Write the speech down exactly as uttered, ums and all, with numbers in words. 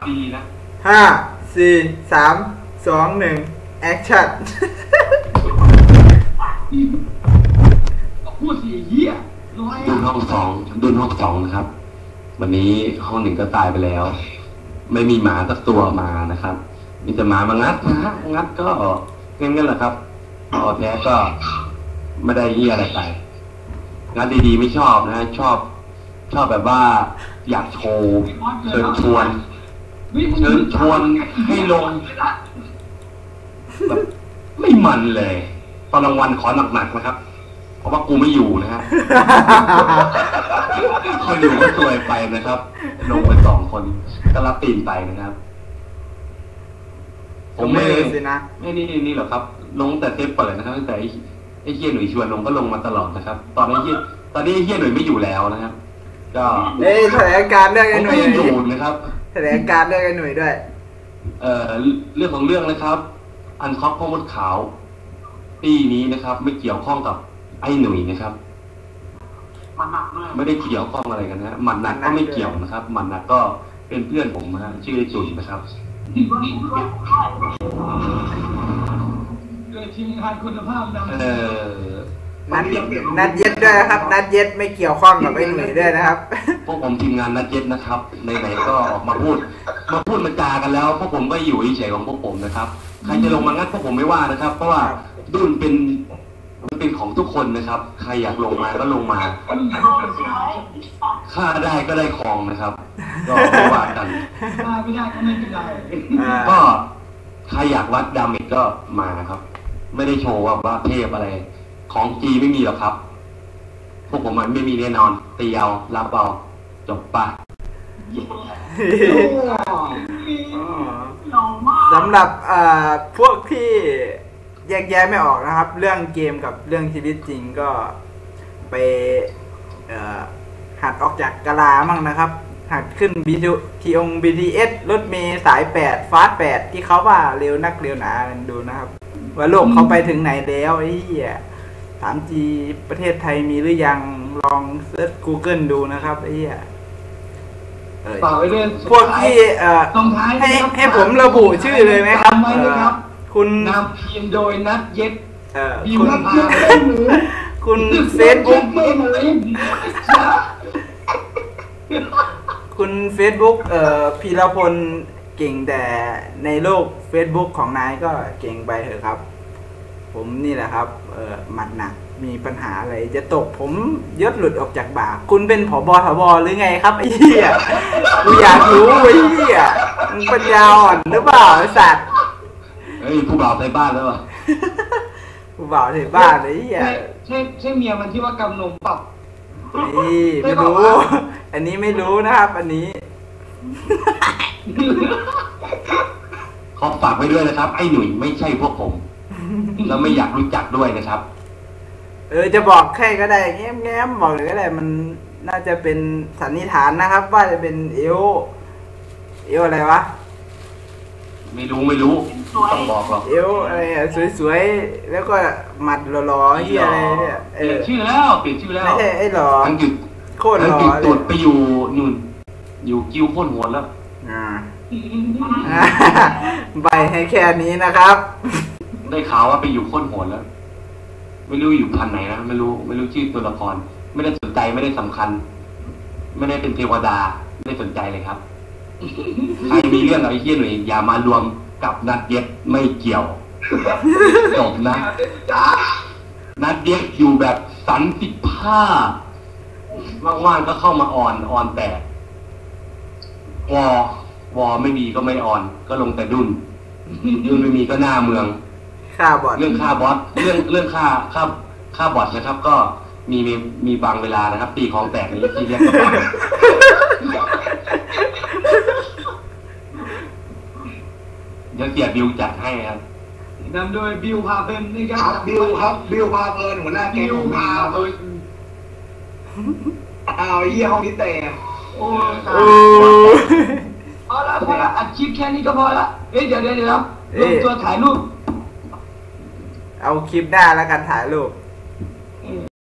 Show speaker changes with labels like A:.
A: ดีนะ
B: ห้าสี่สามสองหนึ่งแอคชั่น
A: พูดสิเหี้ย
C: ดุนห้องสองดุนห้องสองนะครับวันนี้ห้องหนึ่งก็ตายไปแล้วไม่มีหมาสักตัวมานะครับมีแต่หมามางัดนะฮะงัดก็งั้นงั้นแหละครับพอแท้ก็ไม่ได้เหี้ยอะไรไปงัดดีๆไม่ชอบนะชอบชอบแบบว่าอยากโชว์เชิญชวนเชิญชวนให้ลงแบบไม่มันเลยตอนรางวัลขอหนักๆนะครับเพราะว่ากูไม่อยู่นะฮะคนอยู่ก็ซวยไปนะครับลงไปสองคนก็รับตีนไปนะครับผมไม่ไม่นี่นี่หรอกครับลงแต่เทปเปิดนะครับตั้งแต่ไอ้เฮียหนุ่ยชวนลงก็ลงมาตลอดนะครับตอนนี้เฮียตอนนี้เฮียหนุ่ยไม่อยู่แล้วนะครับก็
B: เอ้แถลงการเรื่องไอ้หนุ่ย
C: อยู่นะครับ
B: แถลงการเรื่องไอ้หนุ่ยด้วย
C: เอ่อเรื่องของเรื่องนะครับอันคอปพ่อมดขาวปีนี้นะครับไม่เกี่ยวข้องกับไอ้หนุ่ยนะครับไม่ได้เกี่ยวข้องอะไรกันนะมันหนักก็ไม่เกี่ยวนะครับมันหนักก็เป็นเพื่อนผมนะฮะชื่อไอ้จุนนะครับ
A: เกิดทีมงานคุณภาพนะ
C: เออ
B: นัดนัดเย็ดด้วยนะครับนัดเย็ดไม่เกี่ยวข้องกับไอ้หนุ่ยด้วยนะครับ
C: พวกผมทีมงานนัดเย็ดนะครับไหนๆก็ออกมาพูดมาพูดมาจากันแล้วพวกผมก็อยู่เฉยๆของพวกผมนะครับใครจะลงมางัดพวกผมไม่ว่านะครับเพราะว่าดุนเป็นมันเป็นของทุกคนนะครับใครอยากลงมาก็ลงมาค่าได้ก็ได้ของนะครับก็ไม่ว่ากัน
A: ไม่ได้ก็ไม่เป็นไร
C: ก็ใครอยากวัดดาเมจก็มาครับไม่ได้โชว์ว่าว่าเทพอะไรของจีไม่มีหรอกครับพวกผมมันไม่มีแน่นอนตีเอารับเอาจบปะ
B: สำหรับพวกที่แยกแยะไม่ออกนะครับเรื่องเกมกับเรื่องชีวิตจริงก็ไปหัดออกจากกะลามั่งนะครับหัดขึ้นบีทีองบีทีเอสรถเมย์สายแปดฟาสแปดที่เขาว่าเร็วนักเร็วหนาดูนะครับว่าโลกเขาไปถึงไหนแล้วไอ้เหี้ยถามจีประเทศไทยมีหรือยังลองเซิร์ช Google ดูนะครับไอ้เหี้ยพวกที่เอ่อให้ให้ผมระบุชื่อเลยไหมครับคุณ
A: นำทีมโดยนัดเย็ด
B: บิวพาคุณเฟซบุ๊กคุณเฟซบุ๊กเอ่อพีรพลเก่งแต่ในโลก Facebook ของนายก็เก่งไปเถอะครับผมนี่แหละครับเอ่อหมัดหนักมีปัญหาอะไรจะตกผมยศหลุดออกจากบ่าคุณเป็นผบ.ทบ.หรือไงครับไอ้เหี้ยกูอยากรู้ไอ้เหี้ยมึงปัญญาอ่อนหรือเปล่าไอ้สัตว์
C: เฮ้ยผู้บ่าวในบ้านแล้วอ่ะ
B: ผู้บ่าวในบ้านไอ้เหี้ย
A: ใช่ใช่เมียมันที่ว่ากำนมปรับ
B: นี่ไม่รู้อันนี้ไม่รู้นะครับอันนี้
C: ขอฝากไว้ด้วยนะครับไอ้หนุ่ยไม่ใช่พวกผมแล้วไม่อยากรู้จักด้วยนะครับ
B: เออจะบอกแค่ก็ได้แง้มแง้มบอกเลยก็ได้มันน่าจะเป็นสันนิษฐานนะครับว่าจะเป็นเอวเอวอะไรวะ
C: ไม่รู้ไม่รู้ต้องบอกหรอก
B: เอวอะไรอ่ะสวยๆแล้วก็หมัดหล่อๆเฮียอะไรเนี่ย
C: เปลี่ยนชื่อแล้วเปลี่ยนชื่อแล้ว
B: ไม่ใช่ไอ้หล่อ
C: ทั้งจุด
B: โคตรหล่อ
C: เลยตุดไปอยู่นู่นอยู่กิ้วโคตรหัวแล้ว
B: อ่าใบให้แค่นี้นะครับ
C: ได้ข่าวว่าไปอยู่โคตรหัวแล้วไม่รู้อยู่พันไหนนะไม่รู้ไม่รู้ชื่อตัวละครไม่ได้สนใจไม่ได้สำคัญไม่ได้เป็นเทวดาไม่ได้สนใจเลยครับใครมีเรื่องอะไรเฮี้ยหน่อยอย่ามารวมกับนัดเย็ดไม่เกี่ยวจบนะนัดเย็ดอยู่แบบสันติภาพว่างๆก็เข้ามาอ่อนอ่อนแต่วอวอไม่มีก็ไม่อ่อนก็ลงแต่ดุนดุนไม่มีก็หน้าเมือง
B: ค่าบอท
C: เรื่องค่าบอสเรื่องเรื่องค่าค่าค่าบอทนะครับก็มีมีมีบางเวลานะครับตีของแตกในที่เรียกกันเดี๋ยวเสียบิวจัดให้ครับ
A: นำโดยบิวพาเพลินนี่
D: ครับบิวครับบิวพาเพลินหัวหน้าแก๊งพาเพลินอ้าวเยี่ยห้องนี้แต่
A: โอ้เอาละพอละอัดคลิปแค่นี้ก็พอละเอ้ยเดี๋ยวเดี๋ยวเดี๋ยวลงตัวถ่ายรูป
B: เอาคลิปหน้าแล้วกันถ่ายรูป